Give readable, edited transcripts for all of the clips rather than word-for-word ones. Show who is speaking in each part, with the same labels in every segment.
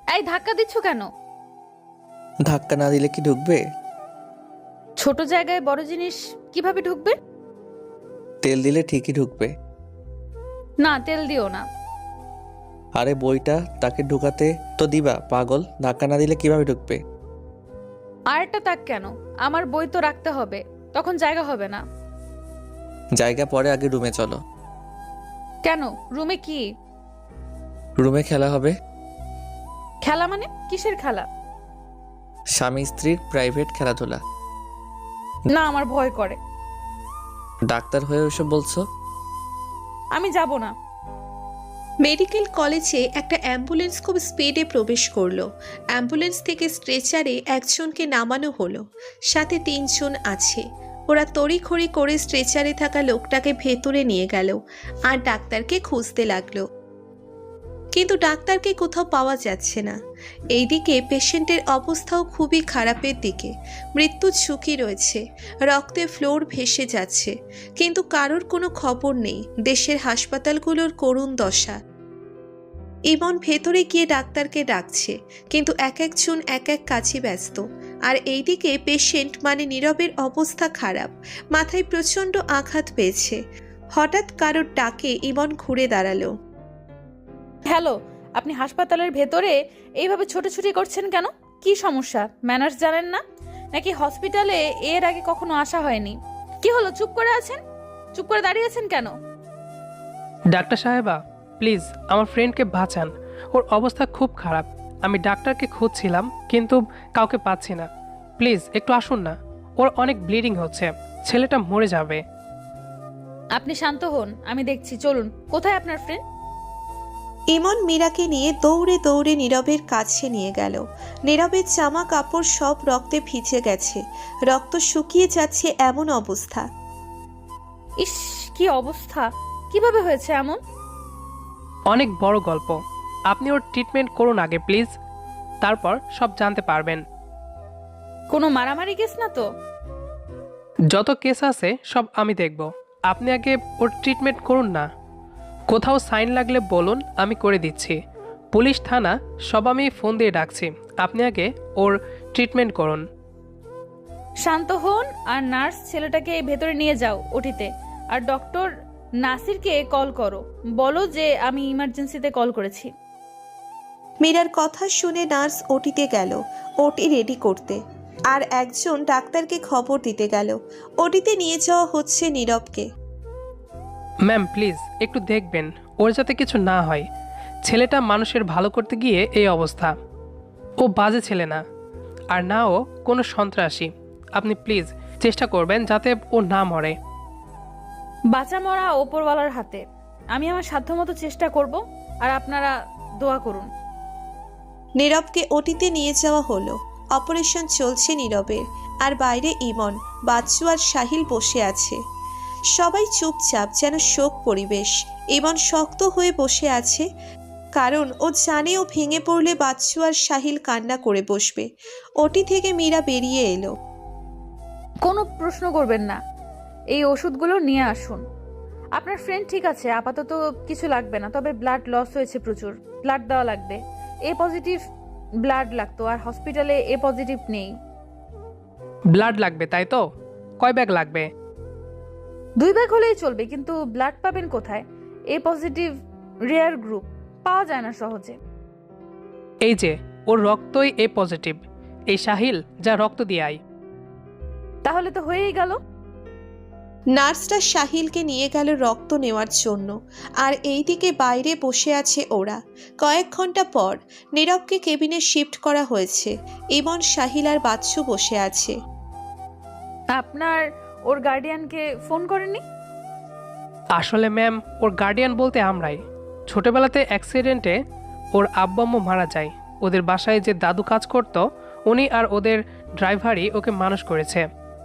Speaker 1: এই ধাক্কা দিচ্ছ কেন?
Speaker 2: ধাক্কা না দিলে কি ঢুকবে?
Speaker 1: ছোট জায়গায় বড় জিনিস কিভাবে ঢুকবে?
Speaker 2: তেল দিলে ঠিকই ঢুকবে।
Speaker 1: না, তেল দিও না।
Speaker 2: আরে বইটা তাকে ঢুকাতে তো দিবা পাগল, ধাক্কা না দিলে কিভাবে ঢুকবে?
Speaker 1: আর একটা তাক কেন? আমার বই তো রাখতে হবে, তখন জায়গা হবে না।
Speaker 2: জায়গা পরে, আগে রুমে চলো।
Speaker 1: কেন? রুমে কি
Speaker 2: রুমে খেলা হবে।
Speaker 1: খেলা? মানে কিসের খেলা?
Speaker 2: স্বামী স্ত্রীর প্রাইভেট খেলাধুলা।
Speaker 1: না, আমার ভয় করে।
Speaker 2: ডাক্তার হয়ে ওসব বলছো?
Speaker 1: আমি যাব না।
Speaker 3: মেডিকেল কলেজে একটা অ্যাম্বুলেন্স খুব স্পিডে প্রবেশ করলো। অ্যাম্বুলেন্স থেকে স্ট্রেচারে একজনকে নামানো হলো, সাথে 3 জন আছে। ওরা তড়িঘড়ি করে স্ট্রেচারে থাকা লোকটাকে ভেতরে নিয়ে গেল আর ডাক্তারকে খুঁজতে লাগলো, কিন্তু ডাক্তারকে কোথাও পাওয়া যাচ্ছে না। এইদিকে পেশেন্টের অবস্থাও খুবই খারাপের দিকে, মৃত্যুর ঝুঁকি রয়েছে, রক্তে ফ্লোর ভেসে যাচ্ছে, কিন্তু কারোর কোনো খবর নেই। দেশের হাসপাতালগুলোর করুণ দশা। ইমন ভেতরে গিয়ে ডাক্তারকে ডাকছে, কিন্তু এক একজন এক এক কাজে ব্যস্ত। আর এইদিকে পেশেন্ট মানে নীরবের অবস্থা খারাপ, মাথায় প্রচণ্ড আঘাত পেয়েছে। হঠাৎ কারোর ডাকে ইমন ঘুরে দাঁড়ালো।
Speaker 1: হ্যালো, আপনি হাসপাতালের ভেতরে এইভাবে ছোটাছুটি করছেন কেন? কি সমস্যা? ম্যানার্স জানেন না নাকি? হসপিটালে এর আগে কখনো আসা হয়নি? কি হলো, চুপ করে আছেন? চুপ করে দাঁড়িয়ে আছেন কেন?
Speaker 4: ডাক্তার সাহেবা, প্লিজ আমার ফ্রেন্ডকে বাঁচান। ওর অবস্থা খুব খারাপ। আমি ডাক্তারকে খুঁজছিলাম কিন্তু কাউকে পাচ্ছি না। প্লিজ একটু আসুন না। ওর অনেক ব্লিডিং হচ্ছে, ছেলেটা মরে যাবে।
Speaker 1: আপনি শান্ত হন, আমি দেখছি। চলুন। কোথায় আপনার ফ্রেন্ড?
Speaker 3: ইমন মীরাকে নিয়ে দৌড়ে দৌড়ে নীরবের কাছে নিয়ে গেল। নীরবের জামা কাপড় সব রক্তে ভিজে গেছে, রক্ত শুকিয়ে যাচ্ছে এমন অবস্থা।
Speaker 1: ইস, কি অবস্থা! কিভাবে হয়েছে এমন?
Speaker 4: অনেক বড় গল্প। আপনি ওর ট্রিটমেন্ট করুন আগে প্লিজ, তারপর সব জানতে পারবেন।
Speaker 1: কোনো মারামারি কেস না তো?
Speaker 4: যত কেস আছে সব আমি দেখব। আপনি আগে ওর ট্রিটমেন্ট করুন না। কোথাও সাইন লাগলে বলুন, আমি করে দিচ্ছি। পুলিশ, থানা সব আমি ফোন দিয়ে ডাকছি। আপনি আগে ওর ট্রিটমেন্ট করুন।
Speaker 1: শান্ত হন আর নার্স ছেলেটাকে ভেতরে নিয়ে যাও ওটিতে। আর ডক্টর নাসিরকে কল করো, বলো যে আমি ইমার্জেন্সিতে কল করেছি।
Speaker 3: মীরার কথা শুনে নার্স ওটিতে গেল ওটি রেডি করতে, আর একজন ডাক্তারকে খবর দিতে গেল। ওটিতে নিয়ে যাওয়া হচ্ছে নীরবকে।
Speaker 4: ম্যাম প্লিজ একটু দেখবেন ওর যাতে কিছু না হয়। ছেলেটা মানুষের ভালো করতে গিয়ে এই অবস্থা। ও বাজে ছেলে না, আর না ও কোনো সন্ত্রাসী। আপনি প্লিজ চেষ্টা করবেন যাতে ও না মরে।
Speaker 1: বাঁচা মরা ওপরওয়ালার হাতে। আমি আমার সাধ্যমতো চেষ্টা করব, আর আপনারা দোয়া করুন।
Speaker 3: নীরবকে ওটিতে নিয়ে যাওয়া হলো। অপারেশন চলছে নীরবের, আর বাইরে ইমন, বাচ্চু আর সাহিল বসে আছে। সবাই চুপচাপ, যেন শোক পরিবেশ। ইমন শক্ত হয়ে বসে আছে, কারণ ও জানে ও ভেঙে পড়লে বাচ্চু আর সাহিল কান্না করে বসবে। ওটি থেকে মীরা বেরিয়ে এলো।
Speaker 1: কোনো প্রশ্ন করবেন না, এই ওষুধগুলো নিয়ে আসুন। আপনার ফ্রেন্ড ঠিক আছে, আপাতত কিছু লাগবে না, তবে ব্লাড লস হয়েছে প্রচুর। ব্লাড দেওয়া লাগবে। এ পজিটিভ ব্লাড লাগতো, আর হসপিটালে এ পজিটিভ নেই।
Speaker 4: ব্লাড লাগবে তাই তো? কয় ব্যাগ লাগবে?
Speaker 1: 2 ব্যাগ হলেই চলবে, কিন্তু ব্লাড পাবেন কোথায়? এ পজিটিভ রেয়ার গ্রুপ, পাওয়া যায় না সহজে।
Speaker 4: এই যে ওর রক্তই এ পজিটিভ। এই সাহিল, যা রক্ত দিয়ে আয়।
Speaker 1: তাহলে তো হয়েই গেল।
Speaker 3: নার্সটা সাহিলকে নিয়ে গেল রক্ত নেওয়ার জন্য, আর এইদিকে বাইরে বসে আছে ওরা। কয়েক ঘন্টা পর নীরবকে কেবিনে শিফট করা হয়েছে। ইমন, সাহিল আর বাচ্চু বসে আছে।
Speaker 1: আপনার ওর গার্ডিয়ানকে ফোন করেননি?
Speaker 4: আসলে ম্যাম, ওর গার্ডিয়ান বলতে আমরাই। ছোটবেলাতে অ্যাক্সিডেন্টে ওর আব্বু আম্মু মারা যায়। ওদের বাসায় যে দাদু কাজ করতো, উনি আর ওদের ড্রাইভারই ওকে মানুষ করেছে।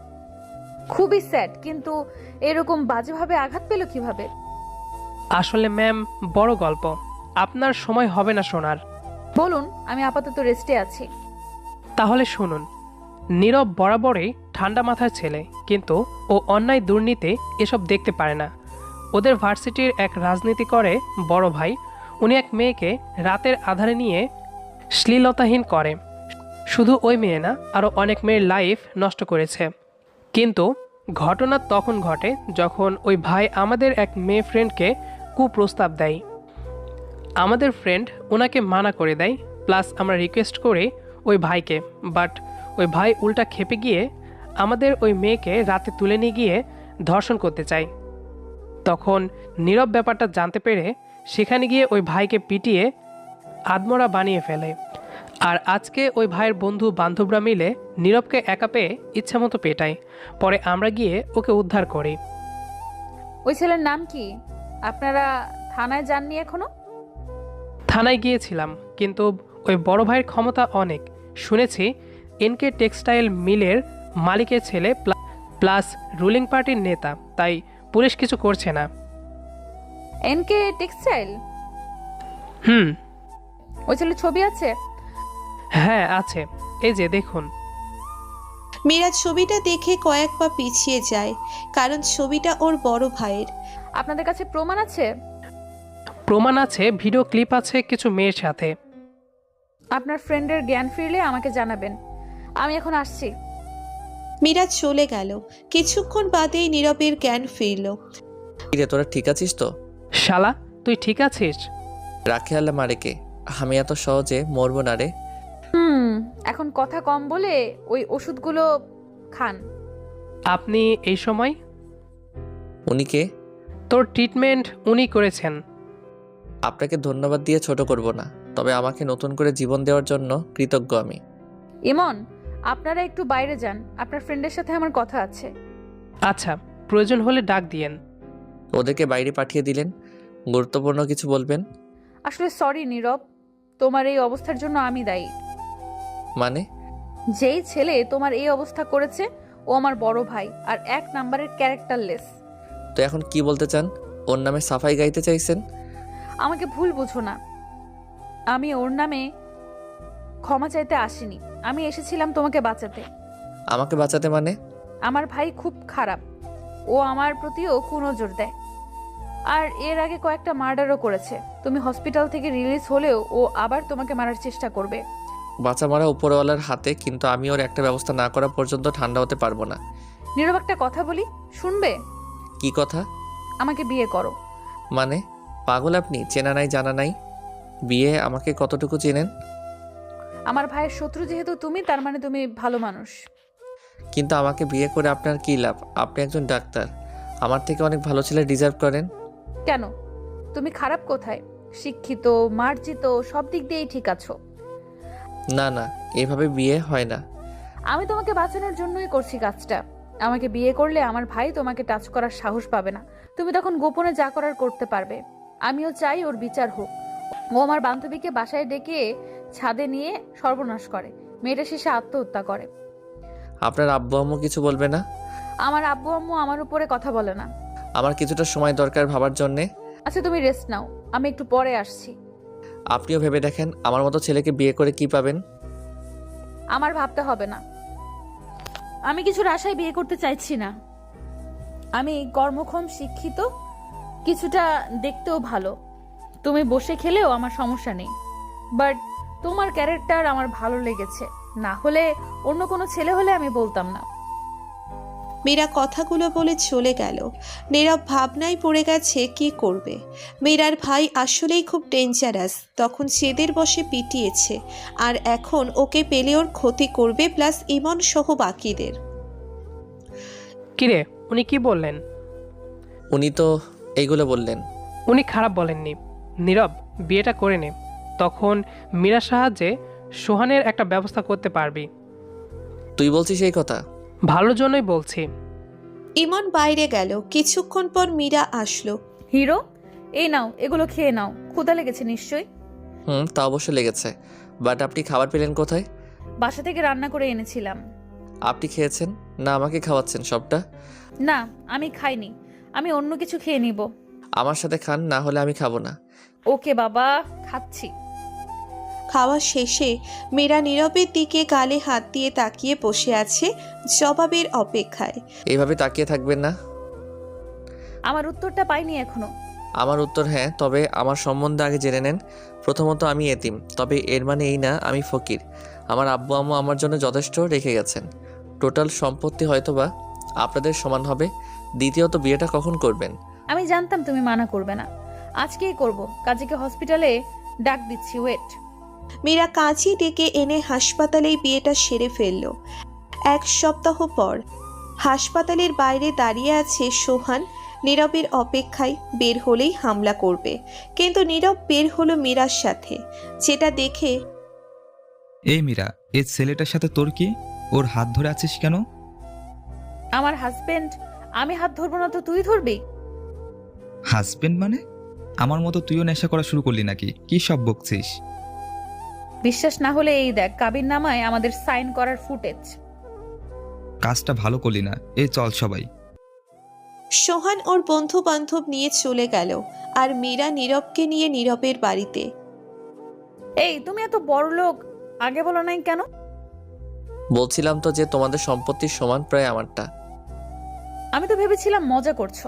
Speaker 1: খুবই স্যাড, কিন্তু এরকম বাজেভাবে আঘাত পেল কিভাবে?
Speaker 4: আসলে ম্যাম, বড় গল্প। আপনার সময় হবে না শোনার।
Speaker 1: বলুন, আমি আপাতত রেস্টে আছি।
Speaker 4: তাহলে শুনুন। নীরব বরাবরই ঠান্ডা মাথার ছেলে, কিন্তু ও অন্যায় দুর্নীতি এসব দেখতে পারে না। ওদের ভার্সিটির এক রাজনীতি করে বড় ভাই, উনি এক মেয়েকে রাতের আধারে নিয়ে শ্লীলতাহীন করে। শুধু ওই মেয়ে না, আরও অনেক মেয়ের লাইফ নষ্ট করেছে। কিন্তু ঘটনা তখন ঘটে যখন ওই ভাই আমাদের এক মেয়ে ফ্রেন্ডকে কুপ্রস্তাব দেয়। আমাদের ফ্রেন্ড ওনাকে মানা করে দেয়, প্লাস আমরা রিকোয়েস্ট করি ওই ভাইকে, বাট ওই ভাই উল্টা খেপে গিয়ে আমাদের ওই মেয়েকে রাতে তুলে নিয়ে গিয়ে ধর্ষণ করতে চায়। তখন নীরব ব্যাপারটা জানতে পেরে সেখানে গিয়ে ওই ভাইকে পিটিয়ে আদমরা বানিয়ে ফেলে। আর আজকে ওই ভাইয়ের বন্ধু বান্ধবরা মিলে নীরবকে একা পেয়ে ইচ্ছামতো পেটায়। পরে আমরা গিয়ে ওকে উদ্ধার করি।
Speaker 1: ওই ছেলের নাম কি? আপনারা থানায় যাননি এখনো?
Speaker 4: থানায় গিয়েছিলাম, কিন্তু ওই বড় ভাইয়ের ক্ষমতা অনেক। শুনেছি এনকে টেক্সটাইল মিলের মালিকের ছেলে, প্লাস রুলিং পার্টির নেতা, তাই পুলিশ কিছু করছে না।
Speaker 1: NK textile?
Speaker 4: হুম।
Speaker 1: ওই ছেলের ছবি আছে?
Speaker 4: হ্যাঁ আছে, এই যে দেখুন।
Speaker 3: মীরা ছবিটা দেখে কয়েক পা পিছিয়ে যায়, কারণ ছবিটা ওর বড় ভাইয়ের।
Speaker 1: আপনাদের কাছে প্রমাণ আছে?
Speaker 4: প্রমাণ আছে, ভিডিও ক্লিপ আছে কিছু মেয়ের সাথে।
Speaker 1: আপনার ফ্রেন্ডের জ্ঞান ফিরলে আমাকে জানাবেন। আমি এখন আসছি।
Speaker 3: মীরা চলে গেল। কিছুক্ষণ বাদেই নীরবের জ্ঞান ফিরল।
Speaker 2: কিরে তোরা ঠিক আছিস তো?
Speaker 4: শালা, তুই ঠিক আছিস?
Speaker 2: রাখে আল্লাহ মারেকে, আমি এত সহজে মরবো না রে।
Speaker 1: এখন কথা কম বলে ওই ওষুধগুলো খান।
Speaker 4: আপনি এই সময়?
Speaker 2: উনিকে?
Speaker 4: তোর ট্রিটমেন্ট উনি করেছেন।
Speaker 2: আপনাকে ধন্যবাদ দিয়ে ছোট করব না, তবে আমাকে নতুন করে জীবন দেওয়ার জন্য কৃতজ্ঞ আমি।
Speaker 1: ইমন, আপনারা একটু বাইরে যান, আপনার ফ্রেন্ডের সাথে আমার কথা আছে।
Speaker 4: আচ্ছা, প্রয়োজন হলে ডাক দিয়েন।
Speaker 2: ওদেরকে বাইরে পাঠিয়ে দিলেন, গুরুত্বপূর্ণ কিছু বলবেন?
Speaker 1: আসলে সরি নীরব, তোমার এই অবস্থার জন্য আমি দায়ী।
Speaker 2: মানে?
Speaker 1: যেই ছেলে তোমার এই অবস্থা করেছে ও আমার বড় ভাই আর এক নাম্বারের ক্যারেক্টারলেস।
Speaker 2: তো এখন কি বলতে চান? ওর নামে সাফাই গাইতে চাইছেন?
Speaker 1: আমাকে ভুল বুঝো না, আমি ওর নামে ক্ষমা চাইতে আসিনি। আমি এসেছিলাম তোমাকে বাঁচাতে।
Speaker 2: আমাকে বাঁচাতে মানে?
Speaker 1: আমার ভাই খুব খারাপ, ও আমার প্রতিও কুনজর দেয়, আর এর আগে কয়েকটা মার্ডারও করেছে। তুমি হসপিটাল থেকে রিলিজ হলেও ও আবার তোমাকে মারার চেষ্টা করবে।
Speaker 2: বাঁচা মারা উপরওয়ালার হাতে, কিন্তু আমি ওর একটা ব্যবস্থা না করা পর্যন্ত ঠান্ডা হতে পারবো না।
Speaker 1: নীরব, একটা কথা বলি, শুনবে?
Speaker 2: কি কথা?
Speaker 1: আমাকে বিয়ে করো।
Speaker 2: মানে? পাগল আপনি? চেনা নাই জানা নাই, বিয়ে? আমাকে কতটুকু চেনেন?
Speaker 1: আমার ভাইয়ের শত্রু যেহেতু তুমি, তার মানে তুমি ভালো মানুষ।
Speaker 2: কিন্তু আমাকে বিয়ে করে আপনার কী লাভ? আপনি একজন ডাক্তার, আমার থেকে অনেক ভালো ছেলে ডিজার্ভ করেন।
Speaker 1: কেন? তুমি খারাপ কোথায়? শিক্ষিত, মার্জিত, সব দিক দিয়েই ঠিক আছো।
Speaker 2: না না, এভাবে বিয়ে হয় না।
Speaker 1: আমি তোমাকে বাঁচানোর জন্যই করছি কাজটা। আমাকে বিয়ে করলে আমার ভাই তোমাকে টাচ করার সাহস পাবে না। তুমি তখন গোপনে যা করার করতে পারবে। আমিও চাই ওর বিচার হোক। ও আমার বান্ধবীকে বাসায় ডেকে ছাদে নিয়ে সর্বনাশ করে, মেয়েটা শেষে আত্মহত্যা করে।
Speaker 2: আপনার আব্বু আম্মু কিছু বলবে না?
Speaker 1: আমার আব্বু আম্মু আমার উপরে কথা বলে না।
Speaker 2: আমার কিছুটা সময় দরকার ভাবার জন্যে।
Speaker 1: আচ্ছা, তুমি রেস্ট নাও, আমি একটু পরে আসছি।
Speaker 2: আপনিও ভেবে দেখেন, আমার মতো ছেলেকে বিয়ে করে কি পাবেন।
Speaker 1: আমার ভাবতে হবে না, আমি কিছুর আশায় বিয়ে করতে চাইছি না। আমি কর্মক্ষম, শিক্ষিত, কিছুটা দেখতেও ভালো। তুমি বসে খেলেও আমার সমস্যা নেই, বাট তোমার ক্যারেক্টার আমার ভালো লেগেছে। না হলে অন্য কোনো ছেলে হলে আমি বলতাম না।
Speaker 3: মীরা কথাগুলো বলে চলে গেল। নীরব ভাবনায় পড়ে গেছে কি করবে। মীরার ভাই আসলেই খুব ডেঞ্জারাস। তখন জেদের বসে পিটিয়েছে, আর এখন ওকে পেলে ওর ক্ষতি করবে, প্লাস ইমন সহ বাকিদের।
Speaker 4: কিরে, উনি কি বললেন?
Speaker 2: উনি তো এইগুলো বললেন।
Speaker 4: উনি খারাপ বলেননি। নীরব, বিয়েটা করে নে, তখন মীরার সাহায্যে সোহানের একটা ব্যবস্থা করতে পারবি।
Speaker 2: তুই বলছিস এই কথা?
Speaker 4: ভালোর জন্যই বলছি।
Speaker 3: ইমন বাইরে গেল। কিছুক্ষণ পর মীরা আসলো।
Speaker 1: হিরো, এই নাও, এগুলো খেয়ে নাও, ক্ষুধা লেগেছে নিশ্চয়ই।
Speaker 2: তা অবশ্য লেগেছে, বাট আপনি খাবার পেলেন কোথায়?
Speaker 1: বাসা থেকে রান্না করে এনেছিলাম।
Speaker 2: আপনি খেয়েছেন না আমাকে খাওয়াচ্ছেন সবটা?
Speaker 1: না, আমি খাইনি, আমি অন্য কিছু খেয়ে নিব।
Speaker 2: আমার সাথে খান, না হলে আমি খাবো না।
Speaker 1: ওকে বাবা, খাচ্ছি।
Speaker 3: খাওয়া শেষে মীরা নীরবের দিকে গালে হাত দিয়ে তাকিয়ে বসে আছে জবাবের অপেক্ষায়।
Speaker 2: এইভাবে তাকিয়ে থাকবেন না।
Speaker 1: আমার উত্তরটা পাইনি এখনো।
Speaker 2: আমার উত্তর হ্যাঁ, তবে আমার সম্বন্ধে আগে জেনে নেন। প্রথমত আমি এতিম, তবে এর মানে এই না আমি ফকির। আমার আব্বু আম্মু আমার জন্য যথেষ্ট রেখে গেছেন। টোটাল সম্পত্তি হয়তোবা আপনাদের সমান হবে। দ্বিতীয়ত বিয়েটা কখন করবেন?
Speaker 1: আমি জানতাম তুমি মানা করবে না। আজকেই করব। কাজীকে হসপিটালে ডাক দিচ্ছি, ওয়েট।
Speaker 3: মীরা কাজী ডেকে এনে হাসপাতালেই বিয়েটা সেরে ফেলল। 1 সপ্তাহ পর হাসপাতালের বাইরে দাঁড়িয়ে আছে সোহান নীরবের অপেক্ষায়, বের হলেই হামলা করবে। কিন্তু নীরব বের হলো মীরার সাথে, যেটা দেখে
Speaker 5: এই মীরা, এই ছেলেটার সাথে তোর কি? ওর হাত ধরে আছিস কেন?
Speaker 1: আমার হাজবেন্ড, আমি হাত ধরবো না তো তুই ধরবি?
Speaker 5: হাজবেন্ড মানে? আমার মতো তুইও নেশা করা শুরু করলি নাকি? কি সব বকছিস?
Speaker 1: বিশ্বাস না হলে এই দেখ, কাবিননামায় আমাদের সাইন করার ফুটেজ।
Speaker 5: কাজটা ভালো করলি না। এই চল সবাই।
Speaker 3: সোহান ওর বন্ধু বান্ধব নিয়ে চলে গেল, আর মীরা নীরবকে নিয়ে নীরবের বাড়িতে।
Speaker 1: এই তুমি এত বড় লোক, আগে বলো নাই কেন?
Speaker 2: বলছিলাম তো যে তোমাদের সম্পত্তির সমান প্রায় আমারটা।
Speaker 1: আমি তো ভেবেছিলাম মজা করছো।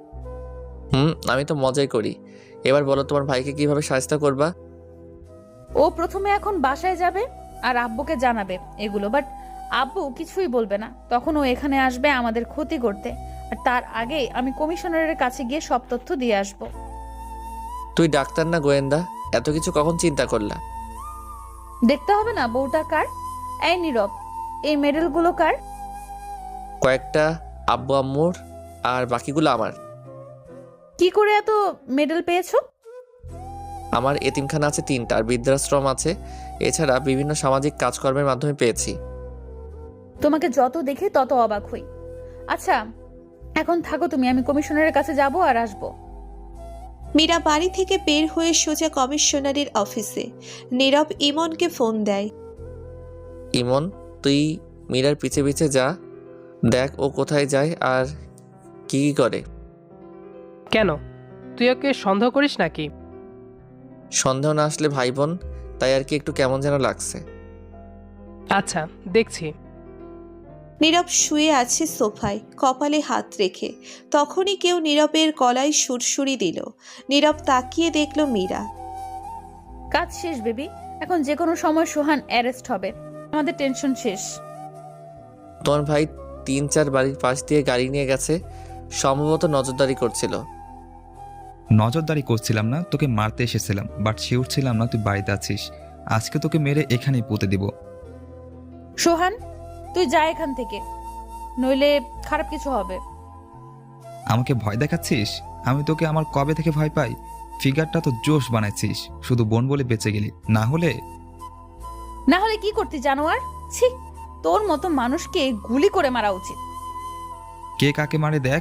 Speaker 2: আমি তো মজাই করি। এবার বলো তোমার ভাইকে কিভাবে সাহায্য করবা?
Speaker 1: ও প্রথমে এখন বাসায় যাবে আর আব্বুকে জানাবে এগুলো, বাট আব্বু কিছুই বলবে না। তখন ও এখানে আসবে আমাদের ক্ষতি করতে, আর তার আগে আমি কমিশনারের কাছে গিয়ে সব তথ্য দিয়ে আসব।
Speaker 2: তুই ডাক্তার না গোয়েন্দা? এত কিছু কখন চিন্তা করলা?
Speaker 1: দেখতে হবে না বউটা কার? এই নীরব, এই মেডেলগুলো কার?
Speaker 2: কয়েকটা আব্বু আম্মুর, আর বাকিগুলো আমার।
Speaker 1: কি করে এত মেডেল পেয়েছো?
Speaker 2: আমার এতিমখানা আছে 3টা, আর বৃদ্ধাশ্রম আছে। এছাড়া বিভিন্ন সামাজিক কাজকর্মের মাধ্যমে পেয়েছি।
Speaker 1: তোমাকে যত দেখি তত অবাক হই। আচ্ছা এখন থাকো তুমি, আমি কমিশনারের কাছে যাব আর আসবো।
Speaker 3: মীরা বাড়ি থেকে বের হয়ে সোজা কমিশনারের অফিসে। নীরব ইমনকে ফোন দেয়।
Speaker 2: ইমন, তুই মীরার পিছে পিছে যা, দেখ ও কোথায় যায় আর কি কি করে।
Speaker 4: কেন, তুই ওকে সন্দেহ করিস নাকি?
Speaker 2: সন্দেহ না আসলে ভাই বোন, তাই আর কি একটু কেমন যেন লাগছে।
Speaker 4: আচ্ছা, দেখছি।
Speaker 3: নীরব শুয়ে আছে সোফায়, কপালে হাত রেখে। তখনই কেউ নীরবের গলায় সুরসুরি দিল। নীরব তাকিয়ে দেখল মীরা।
Speaker 1: কাজ শেষ বেবি, এখন যে কোনো সময় সোহান অ্যারেস্ট হবে, আমাদের টেনশন শেষ।
Speaker 2: তোমার ভাই 3-4 বাড়ির পাশ দিয়ে গাড়ি নিয়ে গেছে, সম্ভবত নজরদারি করছিল।
Speaker 5: নজরদারি করছিলাম না, তোকে মারতে এসেছিলাম, বাট শিওর ছিলাম না তুই বাড়িতে আছিস। আজকে তোকে মেরে এখানেই পুঁতে দিব।
Speaker 1: সোহান তুই যা এখান থেকে, নইলে খারাপ কিছু হবে।
Speaker 5: আমাকে ভয় দেখাচ্ছিস? আমি তোকে আমার কবে থেকে ভয় পাই? ফিগারটা তো জোশ বানাইছিস, শুধু বোন বলে বেঁচে গেলি, না হলে
Speaker 1: কি করতে জানোয়ার? ছি, তোর মতো মানুষকে গুলি করে মারা উচিত।
Speaker 5: কে কাকে মারে দেখ।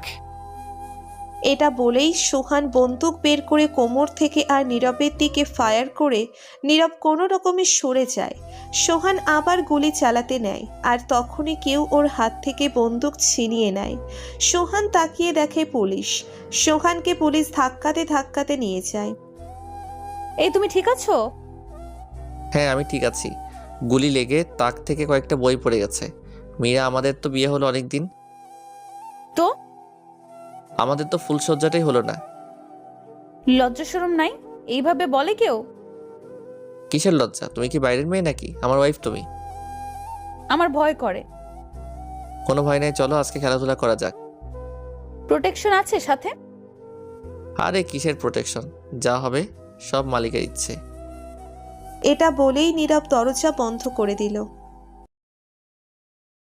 Speaker 3: এটা বলেই সোহান বন্দুক বের করে কোমর থেকে আর নীরবের দিকে ফায়ার করে নীরব কোনো রকমে সরে যায়। সোহান আবার গুলি চালাতে নেয়, আর তখনই কেউ ওর হাত থেকে বন্দুক ছিনিয়ে নেয়। সোহান তাকিয়ে দেখে পুলিশ। সোহানকে পুলিশ ধাক্কাতে ধাক্কাতে নিয়ে যায়।
Speaker 1: এই তুমি ঠিক আছো?
Speaker 2: হ্যাঁ আমি ঠিক আছি। গুলি লেগে তাক থেকে কয়েকটা বই পড়ে গেছে। মীরা, আমাদের তো বিয়ে হলো অনেক দিন।
Speaker 1: তো
Speaker 2: আমাদের তো ফুলসজ্জাটাই হলো না।
Speaker 1: লজ্জা শরম নাই? এইভাবে বলে কেউ?
Speaker 2: কিসের লজ্জা? তুমি কি বাইরের মেয়ে নাকি? আমার ওয়াইফ তুমি।
Speaker 1: আমার ভয় করে।
Speaker 2: কোনো ভয় নাই, চলো আজকে খেলাধুলা করা যাক।
Speaker 1: প্রোটেকশন আছে সাথে?
Speaker 2: আরে কিসের প্রোটেকশন, যা হবে সব মালিকের ইচ্ছে।
Speaker 3: এটা বলেই নীরব দরজা বন্ধ করে দিল।